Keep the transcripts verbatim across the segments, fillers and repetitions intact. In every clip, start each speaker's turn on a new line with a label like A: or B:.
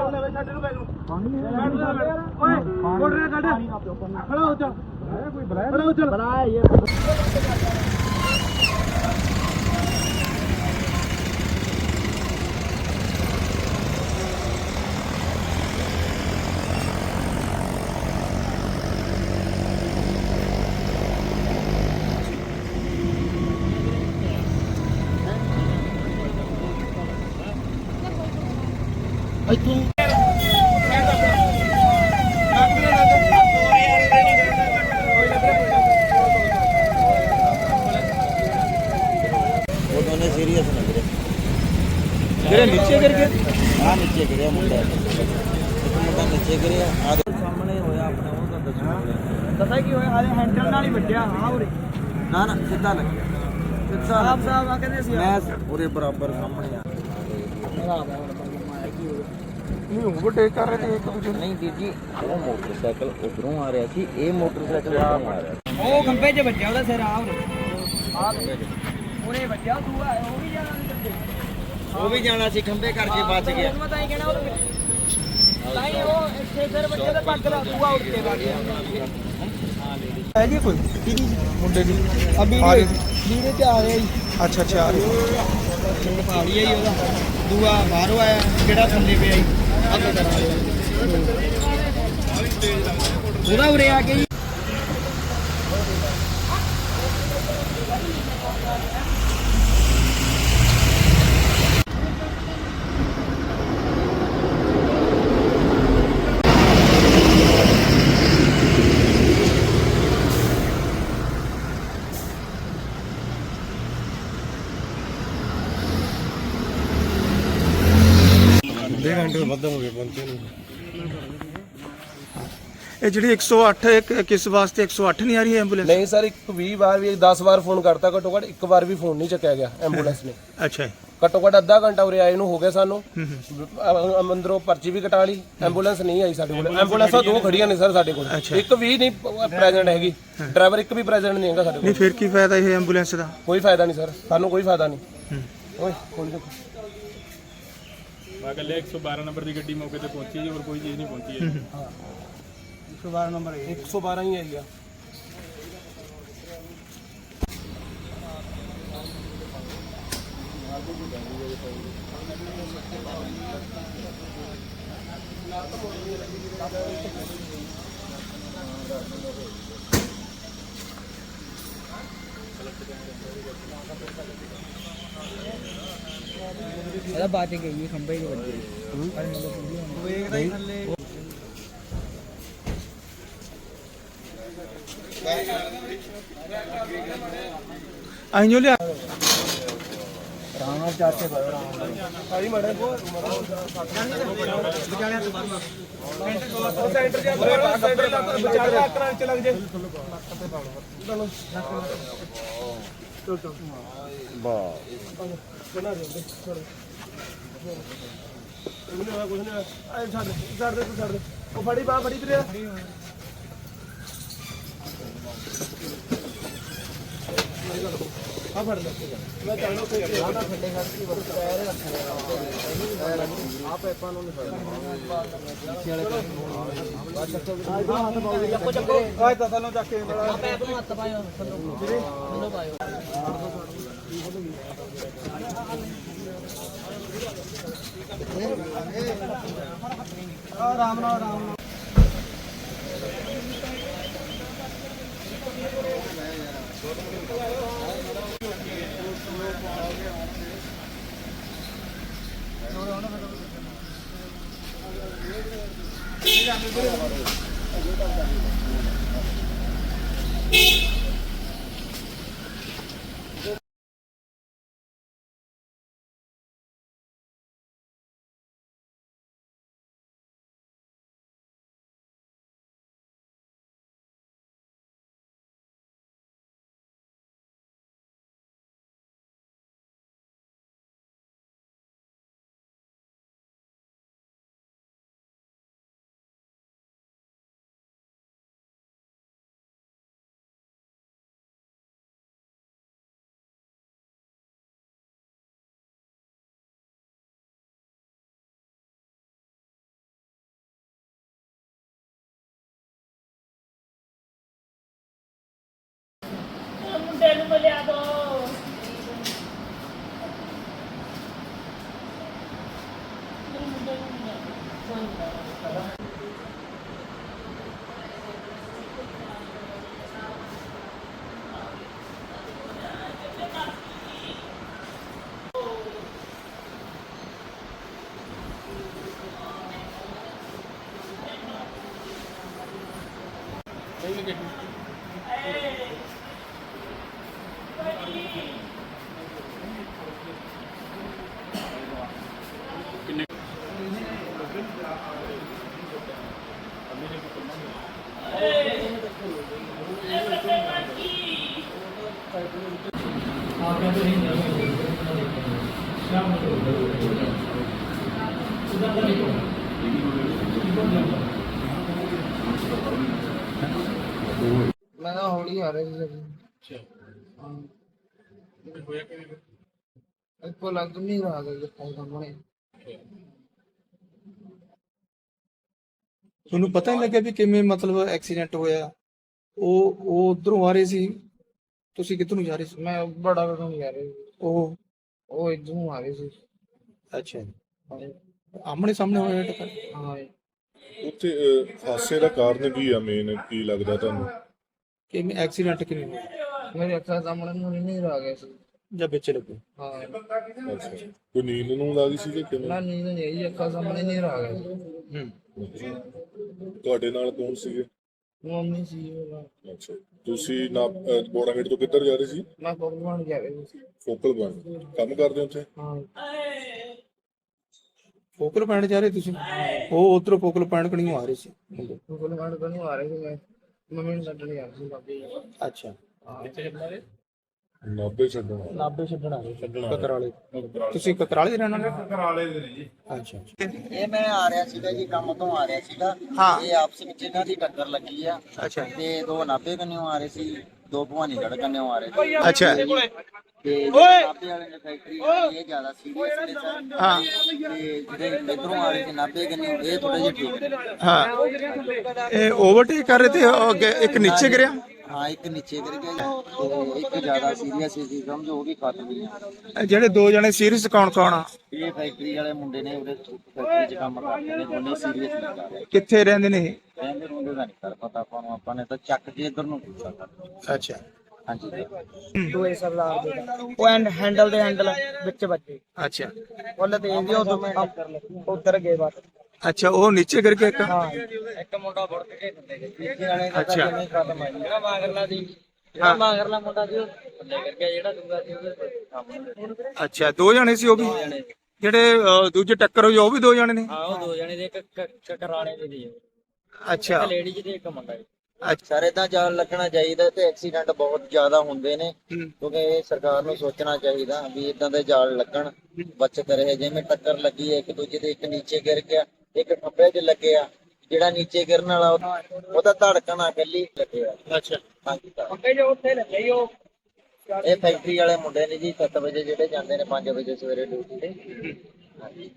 A: Serious लग रहे नीचे गिर गया हाँ नीचे गिरे मुंडा एक मुंडा नीचे गिरे सामने होया अपना वो तो दसो दसा की होया हाले हैंडल नाल ही ਵੱਜਿਆ हां उरे ना ना सीधा लग गया सीधा साहब साहब आ कहंदे सी मैं पूरे बराबर सामने आ मेरा आ माया की नहीं ओवरटेक कर रहे थे एक दूसरे नहीं ਵੀਰ ਜੀ ਉਹ ਮੋਟਰਸਾਈਕਲ ਉਧਰੋਂ ਆ ਰਿਹਾ ਸੀ ਇਹ ਮੋਟਰਸਾਈਕਲ ਆ ਰਿਹਾ ਉਹ ਖੰਭੇ 'ਚ ਵੱਜਿਆ ਉਹਦਾ ਸਿਰ ਆ ਆ ਉਹਨੇ ਵੱਜਿਆ ਦੂਆ ਉਹ ਵੀ ਜਾਣਾ ਉਹ ਵੀ ਜਾਣਾ ਸੀ ਖੰਭੇ ਕਰਕੇ ਬਚ ਗਿਆ ਮੈਂ ਤਾਂ ਹੀ ਕਹਿਣਾ ਉਹ ਤਾਂ ਹੀ ਉਹ ਇੱਥੇ ਸਿਰ ਵੱਜਿਆ ਤੇ ਪੱਗ ਦਾ ਦੂਆ ਉੱਡ ਕੇ ਵਗ ਗਿਆ ਹੈ ਜੀ ਕੋਈ ਕਿਹਦੀ ਮੁੰਡੇ ਦੀ ਅਭੀ ਵੀਰੇ ਤੇ ਆ ਰਿਹਾ ਜੀ ਅੱਛਾ ਅੱਛਾ ਆ ਰਿਹਾ ਪਾੜੀ ਆਈ ਉਹਦਾ ਦੂਆ ਬਾਹਰੋਂ ਆਇਆ ਜਿਹੜਾ ਥੱਲੇ ਪਿਆ ਜੀ ਅੱਗੇ ਕਰ ਉਹਦਾ ਉਰੇ ਆ ਕੇ
B: घंटे ਵੱਧ ਹੋ ਗਏ ਪਹੁੰਚੇ ਨੂੰ
C: ਇਹ ਜਿਹੜੀ ਇੱਕ ਸੌ ਅੱਠ ਇੱਕ ਕਿਸ ਵਾਸਤੇ ਇੱਕ ਸੌ ਅੱਠ ਨਹੀਂ ਆ ਰਹੀ ਐਂਬੂਲੈਂਸ
B: ਨਹੀਂ ਸਰ ਇੱਕ ਵੀਹ ਵਾਰ ਵੀ ਦਸ ਵਾਰ ਫੋਨ ਕਰਤਾ ਘੱਟੋ ਘੱਟ ਇੱਕ ਵਾਰ ਵੀ ਫੋਨ ਨਹੀਂ ਚੱਕਿਆ ਗਿਆ ਐਂਬੂਲੈਂਸ ਨੇ
C: ਅੱਛਾ
B: ਘੱਟੋ ਘੱਟ ਅੱਧਾ ਘੰਟਾ ਉਰੇ ਆਏ ਨੂੰ ਹੋ ਗਿਆ ਸਾਨੂੰ ਅੰਦਰੋਂ ਪਰਚੀ ਵੀ ਕਟਾ ਲਈ ਐਂਬੂਲੈਂਸ ਨਹੀਂ ਆਈ ਸਾਡੇ ਕੋਲ ਐਂਬੂਲੈਂਸਾਂ ਦੋ ਖੜੀਆਂ ਨੇ ਸਰ ਸਾਡੇ ਕੋਲ ਇੱਕ ਵੀ ਨਹੀਂ ਪ੍ਰੈਜ਼ੈਂਟ ਹੈਗੀ ਡਰਾਈਵਰ ਇੱਕ ਵੀ ਪ੍ਰੈਜ਼ੈਂਟ ਨਹੀਂ ਹੈਗਾ ਸਾਡੇ ਕੋਲ
C: ਨਹੀਂ ਫਿਰ ਕੀ ਫਾਇਦਾ ਇਹ ਐਂਬੂਲੈਂਸ ਦਾ
B: ਕੋਈ ਫਾਇਦਾ ਨਹੀਂ ਸਰ ਸਾਨੂੰ ਕੋਈ ਫਾਇਦਾ ਨਹੀਂ ਓਏ ਖੋਲ ਦੇਖੋ
D: अगले एक सौ बारह नंबर की गड्डी मौके पे पहुंची है और कोई चीज़ नहीं पहुंची है
B: एक सौ बारह नंबर एक सौ बारह ही है भैया
A: ਇਹਦਾ ਬਾਤ ਹੀ ਗਈ ਖੰਭੇ ਦੇ ਵੱਜੇ ਉਹ ਇੱਕ ਦਾ ਥੱਲੇ
C: ਆਈ ਜੋ ਲਿਆ
A: ਰਾਮ ਨਾਲ ਚਾਰ ਕੇ ਬਾਹਰ ਆਉਂ
B: ਆਈ ਮੜੇ ਕੋ
A: ਵਿਚਾਲਿਆਂ ਤੋਂ ਬਾਹਰ
B: ਸੈਂਟਰ ਜਾਂ ਸੈਂਟਰ ਦਾ ਵਿਚਾਲੇ ਆਕਰਾਂ ਚ ਲੱਗ ਜੇ ਚਲ ਚਲ ਵਾਹ ਬਣਾ ਦੇ ਛੋੜ ਇਹਨੇ ਆ ਕੁਝ ਨਹੀਂ ਆ ਛੱਡ ਛੱਡ ਦੇ ਤੂੰ ਛੱਡ ਦੇ ਉਹ ਫੜੀ ਬਾਹ ਫੜੀ ਵੀਰੇ ਆ ਫੜ ਲੈ ਮੈਂ ਚਾਹਣਾ ਕੋਈ ਆਣਾ ਥੱਲੇ ਖੜ ਕੇ ਵਰਤ ਪੈਰ ਰੱਖਣਾ ਆ ਪੈਪਾਂ ਨੂੰ ਨਹੀਂ ਫੜਨਾ ਪਿੱਛੇ ਵਾਲੇ ਬਾਅਦ ਚੱਕੋ ਹੱਥ ਪਾਓ ਚੱਕੋ ਚੱਕੋ ਆਏ ਤਾਂ ਥੱਲੋਂ ਚੱਕ ਕੇ ਆ ਪੈਪ ਨੂੰ ਹੱਥ ਪਾਇਓ ਥੱਲੋਂ ਵੀਰੇ ਥੱਲੋਂ ਪਾਇਓ ਆਰਾਮ ਨਾਲ ਆਰਾਮ ਨਾਲ
E: ਮੁੰਡੇ ਨੂੰ ਮਿਲਿਆ ਦੋ ਮੇਰੇ ਮੁੰਡੇ ਨੂੰ ਮਿਲਿਆ ਦੋ
B: ਮੈਂ ਤਾਂ ਹੌਲੀ ਆ ਰਿਹਾ ਸੀ ਇੱਕੋ ਲੱਗ ਨਹੀਂ ਰਹਾ ਕਿ ਸਾਹਮਣੇ
C: ਤੁਹਾਨੂੰ ਪਤਾ ਨਹੀਂ ਲੱਗਿਆ ਵੀ ਕਿਵੇਂ ਮਤਲਬ ਐਕਸੀਡੈਂਟ ਹੋਇਆ? ਉਹ ਉਹ ਉਧਰੋਂ ਆ ਰਹੇ ਸੀ, ਤੁਸੀਂ ਕਿੱਧਰ ਨੂੰ ਜਾ ਰਹੇ ਸੀ?
B: ਮੈਂ ਬੜਾ ਬੜਾ ਨਹੀਂ ਆ ਰਿਹਾ ਸੀ।
C: ਉਹ
B: ਉਹ ਇੱਧਰੋਂ ਆ ਰਹੇ ਸੀ।
C: ਅੱਛਾ ਜੀ, ਆਮਣੇ ਸਾਹਮਣੇ ਹੋਇਆ ਟੱਕਰ?
B: ਹਾਂ ਜੀ।
F: ਉੱਥੇ ਅਹ, ਹਾਦਸੇ ਦਾ ਕਾਰਨ ਕੀ ਆ ਮੇਨ, ਕੀ ਲੱਗਦਾ ਤੁਹਾਨੂੰ?
C: ਕਿਵੇਂ ਐਕਸੀਡੈਂਟ ਕਿਵੇਂ ਹੋਇਆ
B: ਮੇਰੇ ਅੱਖਾਂ ਸਾਹਮਣੇ ਨੂੰ ਨਹੀਂ ਰਹਾ ਗਿਆ ਸੀ।
C: ਜਾਂ ਵਿੱਚ ਲੱਗੋ?
B: ਹਾਂ
F: ਅੱਛਾ, ਕੋਈ ਨੀਂਦ ਨੂੰ ਲੱਗੀ ਸੀ ਕਿ ਕਿਵੇਂ?
B: ਨਾ ਨੀਂਦ ਨਹੀਂ ਆਈ, ਅੱਖਾਂ ਸਾਹਮਣੇ ਨਹੀਂ ਰਹਾ ਗਿਆ ਸੀ।
C: ਹੂੰ,
F: ਤੁਹਾਡੇ ਨਾਲ ਕੌਣ ਸੀਗੇ?
B: ਮੰਮੀ ਸੀ ਉਹ।
F: ਅੱਛਾ, ਤੁਸੀਂ ਨਾ ਬੋੜਾ ਗੇਟ ਤੋਂ ਕਿੱਧਰ ਜਾ ਰਹੇ ਸੀ?
B: ਮੈਂ ਪਕਵਾਨ ਗਿਆ ਸੀ।
F: ਫੋਕਲ ਪੁਆਇੰਟ ਕੰਮ ਕਰਦੇ ਹੋ ਉੱਥੇ?
B: ਹਾਂ
C: ਫੋਕਲ ਪੁਆਇੰਟ ਜਾ ਰਹੇ ਤੁਸੀਂ? ਉਹ ਉਧਰੋਂ ਫੋਕਲ ਪੁਆਇੰਟ ਕਣੀ ਆ ਰਹੇ ਸੀ ਮੁੰਡੇ?
B: ਪਕਵਾਨ ਤੋਂ ਨਹੀਂ ਆ ਰਹੇ ਸੀ। ਮੈਂ ਮੰਮੀ ਨੂੰ ਛੱਡਣ ਗਿਆ ਸੀ ਬਾਬੇ।
C: ਅੱਛਾ,
F: ਨਾਭੇ ਛੱਡਣਾ।
C: ਨਾਭੇ ਛੱਡਣ ਆ ਰਹੇ ਕਕਰਾਲੇ? ਤੁਸੀਂ ਕਕਰਾਲੇ ਦੇ ਰਹਿਣ ਵਾਲੇ?
D: ਕਰਾਲੇ ਦੇ ਨੇ ਜੀ।
C: ਅੱਛਾ ਅੱਛਾ।
A: ਇਹ ਮੈਂ ਆ ਰਿਹਾ ਸੀਗਾ ਜੀ, ਕੰਮ ਤੋਂ ਆ ਰਿਹਾ ਸੀਗਾ।
C: ਹਾਂ।
A: ਇਹ ਆਪਸ ਵਿੱਚ ਇਹਨਾਂ ਦੀ ਟੱਕਰ ਲੱਗੀ ਆ।
C: ਅੱਛਾ
A: ਤੇ ਦੋ ਨਾਭੇ ਕੰਨਿਓ ਆ ਰਹੇ ਸੀ, ਦੋ ਭਵਾਨੀਗੜ੍ਹ ਕੰਨਿਓ ਆ ਰਹੇ ਸੀ।
C: ਅੱਛਾ
A: ਤੇ ਜਿਹੜੇ ਨਾਭੇ ਵਾਲੇ ਨੇ ਫੈਕਟਰੀ ਇਹ ਜ਼ਿਆਦਾ ਸੀਰੀਅਸ ਨੇ ਸਰ।
C: ਹਾਂ
A: ਤੇ ਜਿਹੜੇ ਇਧਰੋਂ ਆ ਰਹੇ ਸੀ ਨਾਭੇ ਕੰਨਿਓ, ਇਹ ਥੋੜੇ ਜਿਹੇ ਠੀਕ ਨੇ।
C: ਹਾਂ। ਇਹ ਓਵਰਟੇਕ ਕਰ ਰਹੇ ਤੇ ਉਹ ਅੱਗੇ ਇੱਕ ਨੀਚੇ ਗਿਰਿਆ?
A: ਹਾਂ, ਇੱਕ ਨੀਚੇ ਗਿਰ ਗਿਆ ਜੀ, ਤੇ ਇੱਕ ਜ਼ਿਆਦਾ ਸੀਰੀਅਸ ਸੀ, ਸਮਝੋ ਉਹ ਵੀ ਫਸ ਗਈ।
C: ਇਹ ਜਿਹੜੇ ਦੋ ਜਣੇ ਸੀਰੀਅਸ ਕੌਣ ਕੌਣ ਆ?
A: ਇਹ ਫੈਕਟਰੀ ਵਾਲੇ ਮੁੰਡੇ ਨੇ, ਉਹਦੇ ਫੈਕਟਰੀ 'ਚ ਕੰਮ ਕਰਦੇ ਨੇ, ਉਹਨੇ ਸੀਰੀਅਸ ਨਹੀਂ ਕਰ ਰਹੇ।
C: ਕਿੱਥੇ ਰਹਿੰਦੇ ਨੇ ਇਹ?
A: ਕਹਿੰਦੇ ਰੋਂਦੇ ਦਾ ਨਹੀਂ ਕਰ ਪਤਾ ਆਪਾਂ ਨੂੰ, ਆਪਾਂ ਨੇ ਤਾਂ ਚੱਕ ਕੇ ਇਧਰ ਨੂੰ ਪੁੱਛਿਆ ਕਰ।
C: ਅੱਛਾ
A: ਹਾਂਜੀ
B: ਦੋਏ ਸਰਦਾਰ ਦੇ ਉਹ ਐਂਡ ਹੈਂਡਲ ਦੇ ਹੈਂਡਲ ਵਿੱਚ ਵੱਜੇ।
C: ਅੱਛਾ
B: ਉਹਨੇ ਤੇ ਇਹ ਉਹ ਉਧਰ ਗਏ ਬਸ।
C: ਅੱਛਾ, ਉਹ ਨੀਚੇ ਗਿਰ ਕੇ ਇੱਕ?
B: ਹਾਂ ਇੱਕ ਮੁੰਡਾ ਵੜ ਕੇ ਥੱਲੇ ਗਿਆ।
A: ਪਿੱਛੇ ਵਾਲੇ ਦਾ
C: ਅੱਛਾ।
A: ਤਾਂ ਜਿਵੇਂ ਖਤਮ ਆ ਜੀ।
B: ਜਿਹੜਾ ਮਾਗਰਲਾ ਸੀ, ਜਿਹੜਾ ਮਾਗਰਲਾ ਮੁੰਡਾ ਸੀ ਉਹ ਥੱਲੇ ਕਰ ਗਿਆ। ਜਿਹੜਾ ਦੂਗਾ ਸੀ ਉਹਦੇ ਸਾਹਮਣੇ।
C: ਅੱਛਾ, ਦੋ ਜਣੇ ਸੀ ਉਹ ਵੀ? ਜਿਹੜੇ ਅਹ, ਦੂਜੇ ਟੱਕਰ ਹੋਈ ਉਹ ਵੀ ਦੋ ਜਣੇ ਨੇ?
B: ਹਾਂ ਉਹ ਦੋ ਜਣੇ ਦੇ, ਇੱਕ ਕਕਰਾਲੇ ਦੇ ਸੀ,
C: ਅੱਛਾ
B: ਇੱਕ ਲੇਡੀ ਤੇ ਇੱਕ ਮੁੰਡਾ।
C: ਅੱਛਾ।
A: ਸਾਰੇ ਤਾਂ ਜਾਲ ਲੱਗਣਾ ਚਾਹੀਦਾ, ਤੇ ਐਕਸੀਡੈਂਟ ਬਹੁਤ ਜ਼ਿਆਦਾ ਹੁੰਦੇ ਨੇ,
C: ਹੂੰ।
A: ਕਿਉਂਕਿ ਇਹ ਸਰਕਾਰ ਨੂੰ ਸੋਚਣਾ ਚਾਹੀਦਾ ਵੀ ਇਦਾਂ ਦੇ ਜਾਲ ਲੱਗਣ, ਬਚਤ ਰਹੇ। ਜਿਵੇਂ ਟੱਕਰ ਲੱਗੀ ਹੈ ਇੱਕ ਦੂਜੇ ਦੇ, ਇੱਕ ਨੀਚੇ ਗਿਰ ਗਿਆ, ਇੱਕ ਖੱਬੇ 'ਚ ਲੱਗਿਆ। ਜਿਹੜਾ ਨੀਚੇ ਗਿਰਨ ਵਾਲਾ ਉਹਦਾ ਧੜਕਣ ਆ ਇਕੱਲੀ ਲੱਗਿਆ।
C: ਅੱਛਾ।
A: ਹਾਂਜੀ ਤਾਂ
B: ਅੱਗੇ ਜੋ ਉੱਥੇ ਲੱਗੇ ਉਹ
A: ਇਹ ਫੈਕਟਰੀ ਵਾਲੇ ਮੁੰਡੇ ਨੇ ਜੀ, ਸੱਤ ਵਜੇ ਜਿਹੜੇ ਜਾਂਦੇ ਨੇ ਪੰਜ ਵਜੇ ਸਵੇਰੇ ਡਿਊਟੀ ਤੇ। ਹਾਂਜੀ।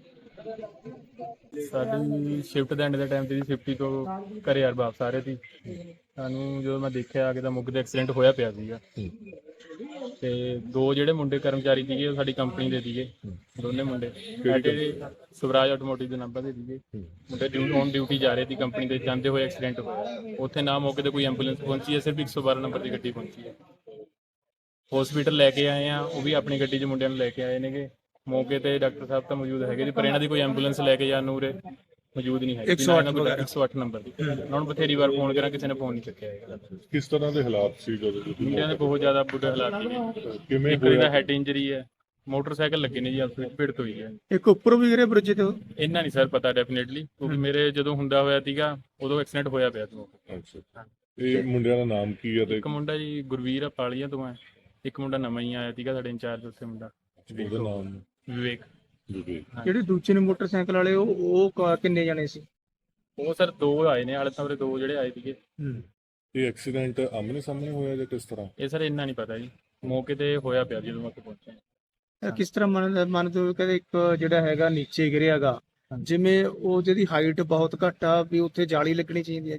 D: ਸਾਡੀ ਸ਼ਿਫਟ ਦੇ ਐਂਡ ਦੇ ਟਾਈਮ ਤੇ ਜੀ ਫਿਫਟੀ ਤੋਂ ਘਰੇ ਯਾਰ ਵਾਪਸ ਆ ਰਹੇ ਸੀ। ਸਾਨੂੰ ਜਦੋਂ ਮੈਂ ਦੇਖਿਆ ਕਿ ਤਾਂ ਮੁੱਗ ਦਾ ਐਕਸੀਡੈਂਟ ਹੋਇਆ ਪਿਆ ਸੀਗਾ। ਤੇ ਦੋ ਜਿਹੜੇ ਮੁੰਡੇ ਕਰਮਚਾਰੀ ਸੀਗੇ ਉਹ ਸਾਡੀ ਕੰਪਨੀ ਦੇ ਸੀਗੇ, ਦੋਨੇ ਮੁੰਡੇ ਸਾਡੇ ਸਵਰਾਜ ਆਟੋਮੋਟਿਵ ਦੇ ਨੰਬਰ ਦੇ ਸੀਗੇ। ਮੁੰਡੇ ਡਿਊਟੀ ਔਨ ਡਿਊਟੀ ਜਾ ਰਹੇ ਸੀ ਕੰਪਨੀ ਦੇ, ਜਾਂਦੇ ਹੋਏ ਐਕਸੀਡੈਂਟ ਹੋਇਆ। ਉੱਥੇ ਨਾ ਮੌਕੇ ਤੇ ਕੋਈ ਐਂਬੂਲੈਂਸ ਪਹੁੰਚੀ ਹੈ, ਸਿਰਫ ਇੱਕ ਸੌ ਬਾਰਾਂ ਨੰਬਰ ਦੀ ਗੱਡੀ ਪਹੁੰਚੀ ਹੈ। ਹਸਪੀਟਲ ਲੈ ਕੇ ਆਏ ਆ, ਉਹ ਵੀ ਆਪਣੀ ਗੱਡੀ 'ਚ ਮੁੰਡਿਆਂ ਨੂੰ ਲੈ ਕੇ ਆਏ ਨੇਗੇ। ਮੌਕੇ ਤੇ ਡਾਕਟਰ ਸਾਹਿਬ ਤਾਂ ਮੌਜੂਦ ਹੈਗੇ ਸੀ, ਪਰ ਇਹਨਾਂ ਦੀ ਕੋਈ ਐਂਬੂਲੈਂਸ ਲੈ ਕੇ ਜਾਣ ਨੂੰ ਉਰੇ ਮੌਜੂਦ ਨਹੀਂ ਹੈਗੀ। ਇੱਕ ਸੌ ਅੱਠ ਨੰਬਰ ਦੀ ਉਹਨਾਂ ਨੂੰ ਬਥੇਰੀ ਵਾਰ ਫੋਨ ਕਰਾਂ, ਕਿਸੇ ਨੇ ਫੋਨ ਨਹੀਂ ਚੁੱਕਿਆ ਹੈਗਾ।
F: ਕਿਸ ਤਰ੍ਹਾਂ ਦੇ ਹਾਲਾਤ ਸੀ ਜਦੋਂ ਤੁਸੀਂ?
D: ਮੁੰਡਿਆਂ ਦੇ ਬਹੁਤ ਜ਼ਿਆਦਾ ਬੁਰੇ ਹਾਲਾਤ ਨੇ।
F: ਕਿਵੇਂ
D: ਇੱਕ ਦਾ ਹੈਡ ਇੰਜਰੀ ਹੈ, ਮੋਟਰਸਾਈਕਲ ਲੱਗੇ ਨੇ ਜੀ, ਆਪਸ ਵਿੱਚ ਭਿੜਤ ਹੋਈ ਹੈ।
C: ਇੱਕ ਉੱਪਰੋਂ ਵੀ ਗਿਰੇ ਬ੍ਰਿਜ ਤੇ?
D: ਇੰਨਾ ਨਹੀਂ ਸਰ ਪਤਾ ਡੈਫੀਨੇਟਲੀ, ਕਿਉਂਕਿ ਮੇਰੇ ਜਦੋਂ ਹੁੰਦਾ ਹੋਇਆ ਸੀਗਾ ਉਦੋਂ ਐਕਸੀਡੈਂਟ ਹੋਇਆ ਪਿਆ ਸੀ।
F: ਅੱਛਾ, ਇਹ ਮੁੰਡਿਆਂ ਦਾ ਨਾਮ ਕੀ ਹੈ? ਤੇ
D: ਇੱਕ ਮੁੰਡਾ ਜੀ ਗੁਰਵੀਰ ਆ ਪਾਲੀਆਂ ਤੋਂ ਹੈ, ਇੱਕ ਮੁੰਡਾ ਨਵਾਂ ਹੀ ਆਇਆ ਸੀਗਾ ਸਾਡੇ ਇੰਚਾਰਜ ਉੱਥੇ ਮੁੰਡਾ
F: ਉਹਦਾ ਨਾਮ?
D: ਵਿਵੇਕ।
F: ਜੀ।
C: ਜਿਹੜੇ ਦੂਜੇ ਨੇ ਮੋਟਰਸਾਈਕਲ ਵਾਲੇ, ਉਹ ਉਹ ਕ- ਕਿੰਨੇ ਜਣੇ ਸੀ?
D: ਉਹ ਸਰ ਦੋ ਆਏ ਨੇ, ਹਾਲੇ ਤਾਂ ਉਰੇ ਦੋ ਜਿਹੜੇ ਆਏ ਸੀਗੇ।
F: ਇਹ ਐਕਸੀਡੈਂਟ ਆਮਨੇ ਸਾਹਮਣੇ ਹੋਇਆ ਜਾਂ ਕਿਸ ਤਰ੍ਹਾਂ?
D: ਇਹ ਸਰ ਇੰਨਾ ਨਹੀਂ ਪਤਾ ਜੀ, ਮੌਕੇ ਤੇ ਹੋਇਆ ਪਿਆ ਜਦੋਂ ਮੈਂ ਉੱਥੇ ਪਹੁੰਚਿਆ।
C: ਇਹ ਕਿਸ ਤਰ੍ਹਾਂ ਮੰਨ ਮੰਨਦੇ ਹੋ? ਕਹਿੰਦੇ ਇੱਕ ਜਿਹੜਾ ਹੈਗਾ ਨੀਚੇ ਗਿਰਿਆਗਾ, ਜਿਵੇਂ ਉਹ ਜਿਹਦੀ ਹਾਈਟ ਬਹੁਤ ਘੱਟ ਆ, ਵੀ ਉੱਥੇ ਜਾਲੀ ਲੱਗਣੀ ਚਾਹੀਦੀ ਹੈ?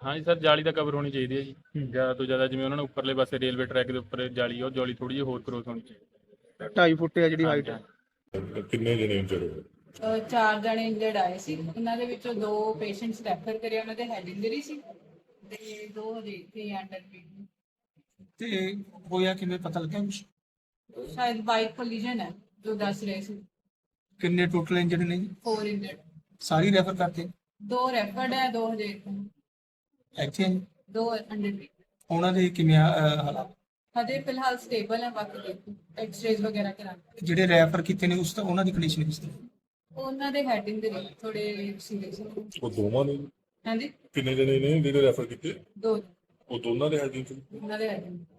D: ਹਾਂਜੀ ਸਰ, ਜਾਲੀ ਦਾ ਕਵਰ ਹੋਣੀ ਚਾਹੀਦੀ ਹੈ ਜੀ, ਜ਼ਿਆਦਾ ਤੋਂ ਜ਼ਿਆਦਾ। ਜਿਵੇਂ ਉਹਨਾਂ ਨੇ ਉੱਪਰਲੇ ਪਾਸੇ ਰੇਲਵੇ ਟਰੈਕ ਦੇ ਉੱਪਰ ਜਾਲੀ ਆ, ਉਹ ਜਾਲੀ ਥੋੜੀ ਜਿਹੀ ਹੋਰ ਕਰੋਸ ਹੋਣੀ ਚਾਹੀਦੀ।
C: ਢਾਈ ਫੁੱਟ ਆ ਜਿਹੜੀ ਹਾਈਟ ਹੈ।
F: ਕਿੰਨੇ ਜਣੇ ਇੰਜਰ ਹੋਏ?
G: ਅਹ ਚਾਰ ਜਣੇ ਇੰਜਰਡ ਆਏ ਸੀ। ਉਹਨਾਂ ਦੇ ਵਿੱਚੋਂ ਦੋ ਪੇਸ਼ੈਂਟਸ ਰੈਫਰ ਕਰੇ, ਉਹਨਾਂ ਦੇ ਹੈਡ ਇੰਜਰੀ ਸੀ ਤੇ ਦੋ ਹਜੇ ਇੱਥੇ ਅੰਡਰ ਟ੍ਰੀਟਮੈਂਟ।
C: ਤੇ ਹੋਇਆ ਕਿਵੇਂ ਪਤਾ ਲੱਗਿਆ ਕੁਛ?
G: ਸ਼ਾਇਦ ਬਾਈਕ ਕੋਲੀਜਨ ਹੈ ਜੋ ਦੱਸ ਰਹੇ ਸੀ।
C: ਕਿੰਨੇ ਟੋਟਲ ਇੰਜਰਡ ਨੇ ਜੀ?
G: Four injured.
C: ਸਾਰੀ ਰੈਫਰ ਕਰਤੇ?
G: ਦੋ ਰੈਫਰਡ ਹੈ, ਦੋ ਹਜੇ ਇੱਥੇ ਨੇ।
C: ਇੱਥੇ ਆ ਜੀ?
G: ਦੋ ਅੰਡਰ ਟ੍ਰੀਟਮੈਂਟ।
C: ਉਹਨਾਂ ਦੇ ਕਿਵੇਂ ਆ, ਅਹ, ਹਾਲਾਤ?
G: ਹਜੇ ਫਿਲਹਾਲ ਸਟੇਬਲ ਹੈ, ਬਾਕੀ ਦੇਖੋ ਐਕਸ-ਰੇਜ਼ ਵਗੈਰਾ ਕਰਾਂਗੇ।
C: ਜਿਹੜੇ ਰੈਫਰ ਕੀਤੇ ਨੇ ਉਸ ਤਾਂ ਉਹਨਾਂ ਦੀ ਕੰਡੀਸ਼ਨ ਕਿਸ ਤਰ੍ਹਾਂ?
G: ਉਹਨਾਂ ਦੇ ਹੈਡ ਇੰਜਰੀ ਥੋੜੇ ਸੀਰੀਅਸ ਹੈ।
F: ਉਹ ਦੋਵਾਂ ਨੇ?
G: ਹਾਂਜੀ,
F: ਕਿੰਨੇ ਜਣੇ ਨੇ ਜਿਹੜੇ ਰੈਫਰ ਕੀਤੇ?
G: ਦੋ
F: ਉਹ ਦੋਨਾਂ ਦੇ ਹੈਡ ਇੰਜਰੀ?
G: ਉਹਨਾਂ ਦੇ ਹੈਡ ਇੰਜਰੀ।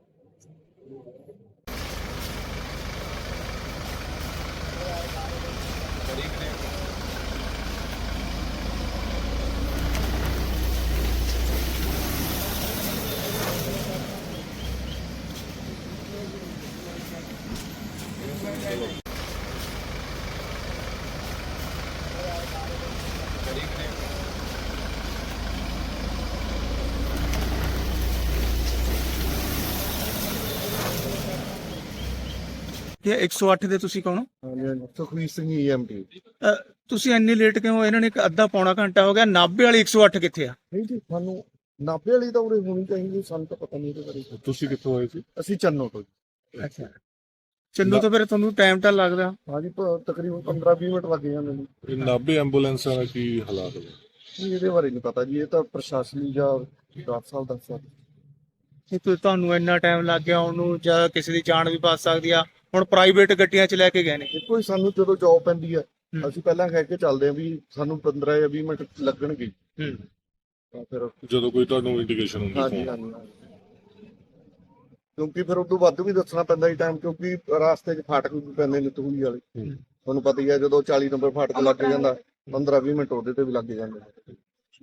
C: ਇਹ ਇੱਕ ਸੌ ਅੱਠ ਦੇ ਤੁਸੀਂ ਕੌਣ ਹੋ?
B: ਹਾਂਜੀ, ਸੁਖਵੀਰ ਸਿੰਘ ਈਐਮਟੀ।
C: ਅਹ, ਤੁਸੀਂ ਇੰਨੀ ਲੇਟ ਕਿਉਂ ਹੋ? ਇਹਨਾਂ ਨੇ ਇੱਕ ਅੱਧਾ ਪੌਣਾ ਘੰਟਾ ਹੋ ਗਿਆ। ਨਾਭੇ ਵਾਲੀ ਇੱਕ ਸੌ ਅੱਠ ਕਿੱਥੇ ਆ?
B: ਨਹੀਂ ਜੀ, ਸਾਨੂੰ ਨਾਭੇ ਵਾਲੀ ਤਾਂ ਉਰੇ ਹੋਣੀ ਚਾਹੀਦੀ, ਸਾਨੂੰ ਤਾਂ ਪਤਾ ਨਹੀਂ ਇਹਦੇ ਬਾਰੇ।
F: ਤੁਸੀਂ ਕਿੱਥੋਂ ਆਏ ਸੀ?
B: ਅਸੀਂ ਚੰਨੋ ਤੋਂ ਜੀ।
C: ਅੱਛਾ, ਚੰਨੂ ਤਾਂ ਫਿਰ ਤੁਹਾਨੂੰ ਟਾਈਮ ਤਾਂ ਲੱਗਦਾ।
B: ਹਾਂਜੀ, ਪ- ਤਕਰੀਬਨ ਪੰਦਰਾਂ ਵੀਹ ਮਿੰਟ ਲੱਗ ਜਾਂਦੇ ਨੇ।
F: ਇਹ ਨਾਭੇ ਐਂਬੂਲੈਂਸਾਂ ਦਾ ਕੀ ਹਾਲਾਤ ਹੈ?
B: ਨਹੀਂ, ਇਹਦੇ ਬਾਰੇ ਨਹੀਂ ਪਤਾ ਜੀ, ਇਹ ਤਾਂ ਪ੍ਰਸ਼ਾਸਨੀ ਜਾਂ ਡਾਕਟਰ ਸਾਹਿਬ ਦੱਸ ਸਕਦੇ।
C: ਇਹ ਤੋਂ ਤੁਹਾਨੂੰ ਇੰਨਾ ਟਾਈਮ ਲੱਗ ਗਿਆ ਉਹਨੂੰ, ਜਾਂ ਕਿਸੇ ਦੀ ਜਾਨ ਵੀ ਬਚ ਸਕਦੀ ਆ। ਹੁਣ ਪ੍ਰਾਈਵੇਟ ਗੱਡੀਆਂ 'ਚ ਲੈ ਕੇ ਗਏ ਨੇ।
B: ਦੇਖੋ ਜੀ, ਸਾਨੂੰ ਜਦੋਂ ਜੌਬ ਪੈਂਦੀ ਹੈ
C: ਹੂੰ।
B: ਅਸੀਂ ਪਹਿਲਾਂ ਕਹਿ ਕੇ ਚੱਲਦੇ ਹਾਂ ਵੀ ਸਾਨੂੰ ਪੰਦਰਾਂ ਜਾਂ ਵੀਹ ਮਿੰਟ ਲੱਗਣਗੇ,
C: ਹੂੰ।
B: ਤਾਂ ਫਿਰ
F: ਜਦੋਂ ਕੋਈ ਤੁਹਾਨੂੰ ਇੰਡੀਕੇਸ਼ਨ ਹੁੰਦੀ
B: ਹਾਂਜੀ
F: ਫੋਨ?
B: ਹਾਂਜੀ ਹਾਂਜੀ। ਕਿਉਂਕਿ ਫਿਰ ਉਦੋਂ ਵੱਧ ਵੀ ਦੱਸਣਾ ਪੈਂਦਾ ਜੀ ਟਾਈਮ, ਕਿਉਂਕਿ ਰਾਸਤੇ 'ਚ ਫਾਟਕ ਵੀ ਪੈਂਦੇ ਨੇ ਤੂਹੀ ਵਾਲੇ।
F: ਹੂੰ।
B: ਤੁਹਾਨੂੰ ਪਤਾ ਹੀ ਹੈ, ਜਦੋਂ ਚਾਲੀ ਨੰਬਰ ਫਾਟਕ ਲੱਗ ਜਾਂਦਾ, ਪੰਦਰਾਂ ਵੀਹ ਮਿੰਟ ਉਹਦੇ ਤੇ ਵੀ ਲੱਗ ਜਾਂਦੇ ਨੇ।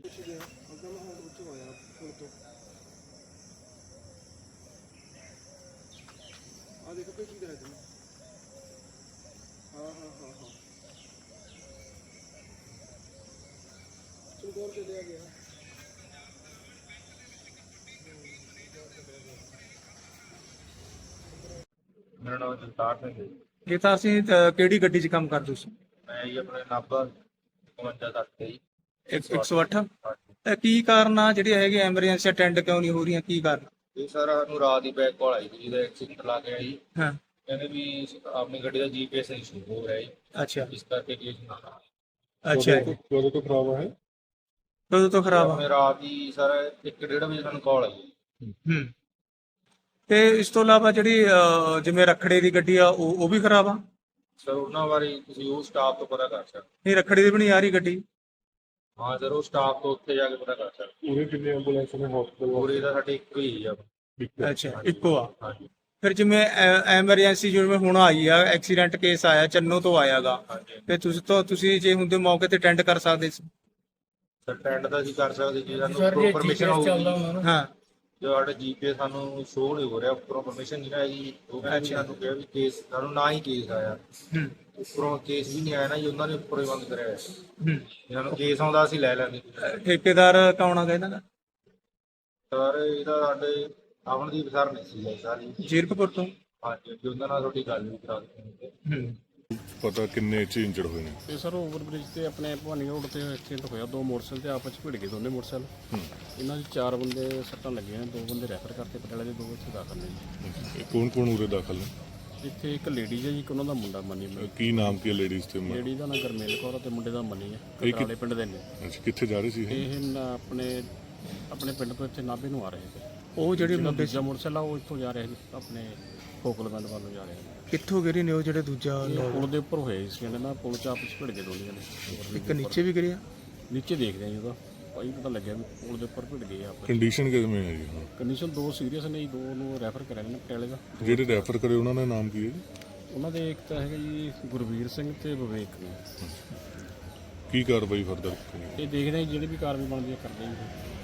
H: ਮੇਰਾ ਨਾਮ ਜਗਤਾਰ ਸਿੰਘ ਹੈ ਜੀ।
C: ਇਹ ਤਾਂ ਅਸੀਂ ਅਹ, ਕਿਹੜੀ ਗੱਡੀ 'ਚ ਕੰਮ ਕਰਦੇ ਸੀ?
H: ਮੈਂ ਜੀ ਆਪਣੇ ਨਾਭਾ ਇਕਵੰਜਾ ਤੱਕ ਤੇ ਜੀ।
C: ਇੱਕ ਇੱਕ ਸੌ ਅੱਠ।
H: ਹਾਂਜੀ।
C: ਇਹ ਕੀ ਕਾਰਨ ਆ ਜਿਹੜੀ ਹੈਗੀ ਐਮਰਜੈਂਸੀ ਅਟੈਂਡ ਕਿਉਂ ਨਹੀਂ ਹੋ ਰਹੀਆਂ? ਕੀ ਕਾਰਨ?
H: ਇਹ ਸਰ ਸਾਨੂੰ ਰਾਤ ਦੀ ਬੈਕ ਕਾਲ ਆਈ ਸੀ, ਜਿਹਦਾ ਐਕਸੀਡੈਂਟ ਲਾ ਕੇ ਆਈ।
C: ਹਾਂ।
H: ਕਹਿੰਦੇ ਵੀ ਆਪਣੀ ਗੱਡੀ ਦਾ ਜੀਪੀਐਸ ਇਸ਼ੂ ਹੋ ਰਿਹਾ ਜੀ,
C: ਅੱਛਾ
H: ਇਸ ਕਰਕੇ ਕੇਸ ਨਾ
C: ਅੱਛਾ
F: ਕਦੋਂ ਤੋਂ- ਕਦੋਂ ਤੋਂ ਖਰਾਬ ਹੈ?
C: ਕਦੋਂ ਤੋਂ ਖਰਾਬ ਆ?
H: ਆਪਣੇ ਰਾਤ ਦੀ ਸਰ ਇੱਕ ਡੇਢ ਵਜੇ ਸਾਨੂੰ ਕਾਲ ਆਈ ਜੀ।
C: ਹੂੰ। ਤੇ ਇਸ ਤੋਂ ਇਲਾਵਾ ਜਿਹੜੀ ਅਹ, ਜਿਵੇਂ ਰੱਖੜੇ ਦੀ ਗੱਡੀ ਆ ਉਹ ਉਹ ਵੀ ਖਰਾਬ ਆ?
H: ਸਰ ਉਹਨਾਂ ਬਾਰੇ ਤੁਸੀਂ ਉਹ ਸਟਾਫ ਤੋਂ ਪਤਾ ਕਰ ਸਕਦੇ।
C: ਨਹੀਂ, ਰੱਖੜੀ ਦੀ ਵੀ ਨਹੀਂ ਆ ਰਹੀ ਗੱਡੀ?
H: ਹਾਂ ਸਰ, ਉਹ ਸਟਾਫ ਤੋਂ ਉੱਥੇ ਜਾ ਕੇ ਪਤਾ ਕਰ ਸਕਦੇ।
F: ਪੂਰੇ ਕਿੰਨੇ ਐਂਬੂਲੈਂਸ ਨੇ ਹਸਪਤਾਲ?
H: ਪੂਰੇ ਦਾ ਸਾਡੇ ਇੱਕੋ ਹੀ ਆ।
C: ਅੱਛਾ, ਇੱਕੋ ਆ।
H: ਹਾਂਜੀ
C: ਫਿਰ ਜਿਵੇਂ ਐਮਰਜੈਂਸੀ ਜਿਵੇਂ ਹੁਣ ਆਈ ਆ, ਐਕਸੀਡੈਂਟ ਕੇਸ ਆਇਆ, ਚੰਨੋ ਤੋਂ ਆਇਆਗਾ,
H: ਹਾਂਜੀ।
C: ਤੇ ਤੁਸੀਂ ਤੋਂ ਤੁਸੀਂ ਜੇ ਹੁੰਦੇ ਮੌਕੇ ਤੇ ਅਟੈਂਡ ਕਰ ਸਕਦੇ ਸੀ।
H: ਸਰ ਟੈਂਡ ਤਾਂ ਅਸੀਂ ਕਰ ਸਕਦੇ ਜੀ, ਸਾਨੂੰ ਪਰਮਿਸ਼ਨ ਹੋਊਗੀ।
C: ਹਾਂ।
H: ਜੋ ਸਾਡਾ ਜੀਪੀਏ ਸਾਨੂੰ ਸ਼ੋਅ ਨਹੀਂ ਹੋ ਰਿਹਾ, ਉੱਪਰੋਂ ਪਰਮਿਸ਼ਨ ਨਹੀਂ ਆਈ। ਉਹ ਕਹਿੰਦੇ ਵੀ ਸਾਨੂੰ ਕਿਹਾ ਵੀ ਕੇਸ, ਸਾਨੂੰ ਨਾ ਹੀ ਕੇਸ ਆਇਆ,
C: ਹੂੰ।
H: ਉੱਪਰੋਂ ਕੇਸ ਵੀ ਨਹੀਂ ਆਇਆ ਨਾ ਜੀ, ਉਹਨਾਂ ਨੇ ਉੱਪਰੋਂ ਹੀ ਬੰਦ ਕਰਿਆ ਹੋਇਆ।
C: ਹੂੰ।
H: ਜੇ ਸਾਨੂੰ ਕੇਸ ਆਉਂਦਾ ਅਸੀਂ ਲੈ ਲੈਂਦੇ।
C: ਠੇਕੇਦਾਰ ਕੌਣ ਆ ਇਹਨਾਂ ਦਾ?
H: ਸਰ ਇਹਦਾ ਸਾਡੇ ਅਮਨਦੀਪ ਸਰ ਨੇ ਸੀ ਸਾਰੀ।
C: ਜੀਰਕਪੁਰ ਤੋਂ?
H: ਹਾਂਜੀ, ਜੀ ਉਹਨਾਂ ਨਾਲ ਤੁਹਾਡੀ ਗੱਲ ਵੀ ਕਰਾ ਦਿੱਤੀ।
C: ਹੂੰ।
F: ਪਤਾ ਕਿੰਨੇ ਚ ਇੰਜਰਡ ਹੋਏ ਨੇ?
I: ਤੇ ਸਰ ਓਵਰ ਬ੍ਰਿਜ ਤੇ ਆਪਣੇ ਭਵਾਨੀ ਰੋਡ ਤੇ ਐਕਸੀਡੈਂਟ ਹੋਇਆ। ਦੋ ਮੋਟਰਸਾਈਕਲ ਤੇ ਆਪਸ ਵਿੱਚ ਭਿੜ ਗਏ, ਦੋਨੇ ਮੋਟਰਸਾਈਕਲ। ਇਹਨਾਂ ਦੇ ਚਾਰ ਬੰਦੇ ਸੱਟਾਂ ਲੱਗੀਆਂ, ਦੋ ਬੰਦੇ ਰੈਫਰ ਕਰਤੇ ਪਟਿਆਲੇ ਦੇ, ਦੋ ਇੱਥੇ ਦਾਖਲ ਨੇ ਜੀ।
F: ਕੌਣ ਕੌਣ ਉਰੇ ਦਾਖਲ ਨੇ?
I: ਇੱਥੇ ਇੱਕ ਲੇਡੀ ਹੈ ਜੀ, ਇੱਕ ਉਹਨਾਂ ਦਾ ਮੁੰਡਾ ਮਨੀ।
F: ਕੀ ਨਾਮ ਕੀ ਲੇਡੀਜ਼ ਤੇ?
I: ਲੇਡੀ ਦਾ ਨਾਮ ਗਰਮੇਲ ਕੌਰ ਤੇ ਮੁੰਡੇ ਦਾ ਮਨੀ ਹੈ,
F: ਕਿ-
I: ਕਟਰਾਲੇ ਪਿੰਡ ਦੇ ਨੇ।
F: ਅੱਛਾ, ਕਿੱਥੇ ਜਾ ਰਹੇ ਸੀ ਇਹ?
I: ਇਹ ਨਾ ਆਪਣੇ ਆਪਣੇ ਪਿੰਡ ਤੋਂ ਇੱਥੇ ਨਾਭੇ ਨੂੰ ਆ ਰਹੇ ਸੀ।
C: ਉਹ ਜਿਹੜੇ
I: ਜਿਹੜਾ
C: ਮੁੰਡੇ
I: ਦੂਜਾ ਮੋਟਰਸਾਈਕਲ ਆ ਉਹ ਇੱਥੋਂ ਜਾ ਰਿਹਾ ਸੀ, ਆਪਣੇ ਕੋਕਲਵੰਡ ਵੱਲ ਨੂੰ ਜਾ ਰਿਹਾ ਸੀ।
C: ਕਿੱਥੋਂ ਗਿਰੇ ਨੇ ਉਹ ਜਿਹੜੇ ਦੂਜਾ?
I: ਇਹ ਪੁਲ ਦੇ ਉੱਪਰ ਹੋਏ ਸੀ ਕਹਿੰਦੇ ਨਾ, ਪੁਲ ਚ ਆਪਸ ਵਿੱਚ ਭਿੜ ਗਏ ਦੋਨੇ ਜਣੇ।
C: ਇੱਕ ਨੀਚੇ ਵੀ ਗਿਰਿਆ?
I: ਨੀਚੇ ਦੇਖਦੇ ਆ ਜੀ, ਉਹਦਾ ਭਾਈ ਪਤਾ ਲੱਗਿਆ ਵੀ ਪੁਲ ਦੇ ਉੱਪਰ ਭਿੜ ਗਏ ਆਪਸ।
F: ਕੰਡੀਸ਼ਨ ਕਿਵੇਂ ਹੈ ਜੀ?
I: ਕੰਡੀਸ਼ਨ ਦੋ ਸੀਰੀਅਸ ਨੇ ਜੀ, ਦੋ ਨੂੰ ਰੈਫਰ ਕਰਿਆ ਨੇ ਪਟਿਆਲੇ ਦਾ।
F: ਜਿਹੜੇ ਰੈਫਰ ਕਰੇ ਉਹਨਾਂ ਦਾ ਨਾਮ ਕੀ ਹੈ ਜੀ?
I: ਉਹਨਾਂ ਦੇ ਇੱਕ ਤਾਂ ਹੈਗਾ ਜੀ ਗੁਰਵੀਰ ਸਿੰਘ ਤੇ ਵਿਵੇਕ ਨੇ।
F: ਕੀ ਕਾਰਵਾਈ ਫਰਦਰ?
I: ਇਹ ਦੇਖਦੇ ਆ ਜੀ, ਜਿਹੜੀ ਵੀ ਕਾਰਵਾਈ ਬਣਦੀ ਹੈ ਕਰਦੇ ਜੀ।